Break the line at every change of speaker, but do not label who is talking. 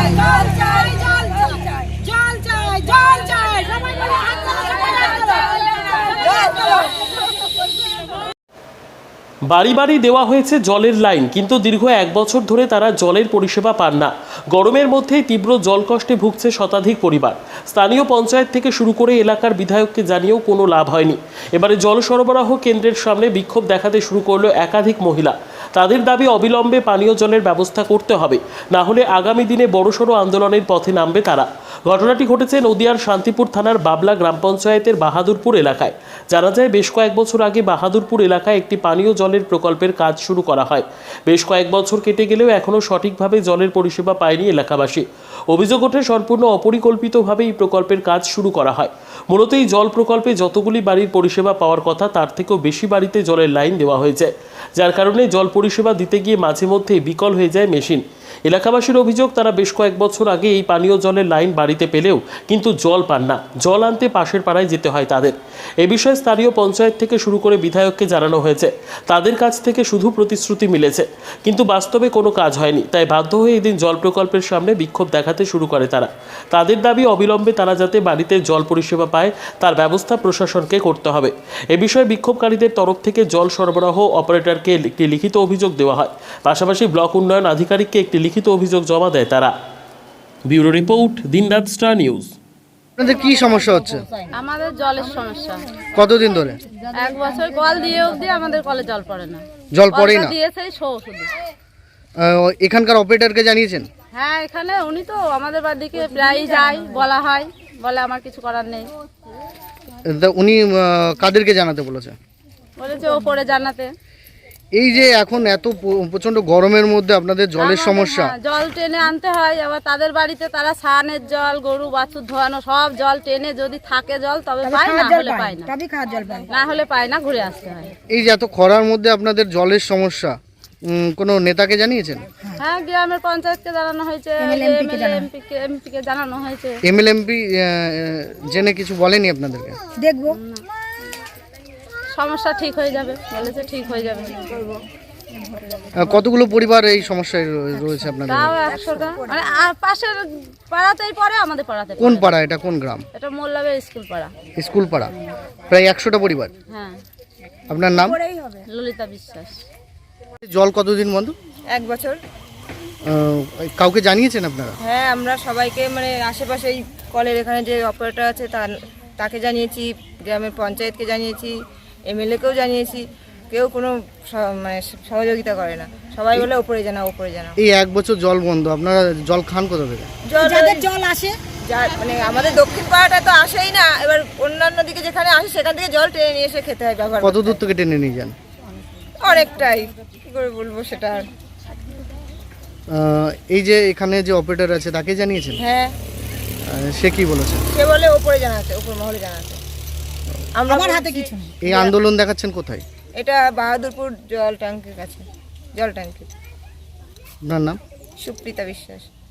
বাড়ি বাড়ি দেওয়া হয়েছে জলের লাইন, কিন্তু দীর্ঘ 1 বছর ধরে তারা জলের পরিষেবা পান না। গরমের মধ্যেই তীব্র জলকষ্টে ভুগছে শতাধিক পরিবার। স্থানীয় পঞ্চায়েত থেকে শুরু করে এলাকার বিধায়ককে জানিয়েও কোনো লাভ হয়নি। এবারে জল সরবরাহ কেন্দ্রের সামনে বিক্ষোভ দেখাতে শুরু করলো একাধিক মহিলা। তাদের দাবি অবিলম্বে পানীয় জলের ব্যবস্থা করতে হবে, না হলে আগামী দিনে বড়সড় আন্দোলনের পথে নামবে তারা। ঘটনাটি ঘটেছে নদিয়ার শান্তিপুর থানার বাবলা গ্রাম পঞ্চায়েতের বাহাদুরপুর এলাকায়। জানা যায় বেশ কয়েক বছর আগে বাহাদুরপুর এলাকায় একটি পানীয় জলের প্রকল্পের কাজ শুরু করা হয়। বেশ কয়েক বছর কেটে গেলেও এখনও সঠিকভাবে জলের পরিষেবা পায়নি এলাকাবাসী। অভিযোগ ওঠে সম্পূর্ণ অপরিকল্পিতভাবে এই প্রকল্পের কাজ শুরু করা হয়। মূলত এই জল প্রকল্পে যতগুলি বাড়ির পরিষেবা পাওয়ার কথা তার থেকেও বেশি বাড়িতে জলের লাইন দেওয়া হয়েছে, যার কারণে জল পরিষেবা দিতে গিয়ে মাঝে মধ্যেই বিকল হয়ে যায় মেশিন। এলাকাবাসীর অভিযোগ, তারা বেশ কয়েক বছর আগে এই পানীয় জলের লাইন বাড়িতে পেলেও কিন্তু জল পান না। জল আনতে পাশের পাড়ায় যেতে হয় তাদের। এ বিষয়ে স্থানীয় পঞ্চায়েত থেকে শুরু করে বিধায়ককে জানানো হয়েছে। তাদের কাছ থেকে শুধু প্রতিশ্রুতি মিলেছে, কিন্তু বাস্তবে কোনো কাজ হয়নি। তাই বাধ্য হয়ে এদিন জল প্রকল্পের সামনে বিক্ষোভ দেখাতে শুরু করে তারা। তাদের দাবি অবিলম্বে তারা যাতে বাড়িতে জল পরিষেবা পায় তার ব্যবস্থা প্রশাসনকে করতে হবে। এ বিষয়ে বিক্ষোভকারীদের তরফ থেকে জল সরবরাহ অপারেটরকে একটি লিখিত অভিযোগ দেওয়া হয়। পাশাপাশি ব্লক উন্নয়ন আধিকারিককে একটি লিখিত অভিযোগ জমা দেয় তারা। Bureau report, Dinraat star news.
আপনাদের কি সমস্যা হচ্ছে?
আমাদের জলের সমস্যা।
কতদিন ধরে?
1 বছর কল দিয়ে অবধি আমাদের কলে জল পড়ে না।
জল পড়েই না?
দিয়েছেই শুধু।
এখানকার অপারেটরকে জানিয়েছেন?
হ্যাঁ, এখানে উনি তো আমাদের বাড়িতে প্রায়ই যায়, বলা হয়, বলে আমার কিছু করার নেই।
উনি কাদেরকে জানাতে বলেছে?
বলেছে ওপরে জানাতে।
এই যে এখন এত প্রচন্ড গরমের মধ্যে আপনাদের জলের সমস্যা,
জল টেনে আনতে হয়। আবার তাদের বাড়িতে তারা স্নানের জল, গরু বাছুর ধোয়ানো সব জল টেনে যদি থাকে জল তবে পায়, না হলে পায় না। তবে খাওয়ার জল পায় না, হলে পায় না, ঘুরে আসতে হয়।
এই যে এত খরার মধ্যে আপনাদের জলের সমস্যা, কোনো নেতাকে জানিয়েছেন?
হ্যাঁ, গ্রামের পঞ্চায়েতকে জানানো হয়েছে, এমপিকে জানানো হয়েছে।
এমএলএমপি জেনে কিছু বলেনি আপনাদেরকে?
দেখবো, সমস্যা ঠিক হয়ে যাবে বলেছে, ঠিক হয়ে যাবে।
কতগুলো পরিবার এই সমস্যায় রয়েছে আপনাদের?
তাও 100টা, মানে পাশের পাড়াতেই পড়ে, আমাদের পাড়াতে।
কোন পাড়া এটা? কোন গ্রাম
এটা? মোল্লাবের স্কুল পাড়া।
স্কুল পাড়া, প্রায় 100টা পরিবার।
হ্যাঁ।
আপনার নাম?
ললিতা বিশ্বাস।
জল কতদিন বন্ধ?
1 বছর।
কাউকে জানিয়েছেন আপনারা?
হ্যাঁ, আমরা সবাইকে, মানে আশেপাশে এই কলের এখানে যে অপারেটর আছে তাকে জানিয়েছি, গ্রামের পঞ্চায়েতকে জানিয়েছি, এমএলএকেও জানিয়েছি। কেউ কোনো মানে সহযোগিতা করে না। সবাই বলে ওপরে জানাও, ওপরে জানাও।
এই 1 বছর জল বন্ধ, আপনারা জল খান কোথা থেকে?
যাদের জল আসে, মানে আমাদের দক্ষিণ পাড়াটা তো আসেই না। এবার অন্যান্য দিকে যেখানে আসে সেখান থেকে জল টেনে নিয়ে এসে খেতে হয়, ব্যবহার।
কত দূর থেকে টেনে নিয়ে যান?
অনেকটাই, কি করে বলবো সেটা।
এই যে এখানে যে অপারেটর আছে তাকে জানিয়েছেন?
হ্যাঁ।
সে কি বলেছে?
সে বলে ওপরে জানাতে, উপর মহলে জানাতে। আমার হাতে কিছু নেই।
এই আন্দোলন দেখাচ্ছেন কোথায়?
এটা বাহাদুরপুর জল ট্যাঙ্কির কাছে, জল ট্যাঙ্কি।
আপনার নাম?
সুপ্রিতা বিশ্বাস।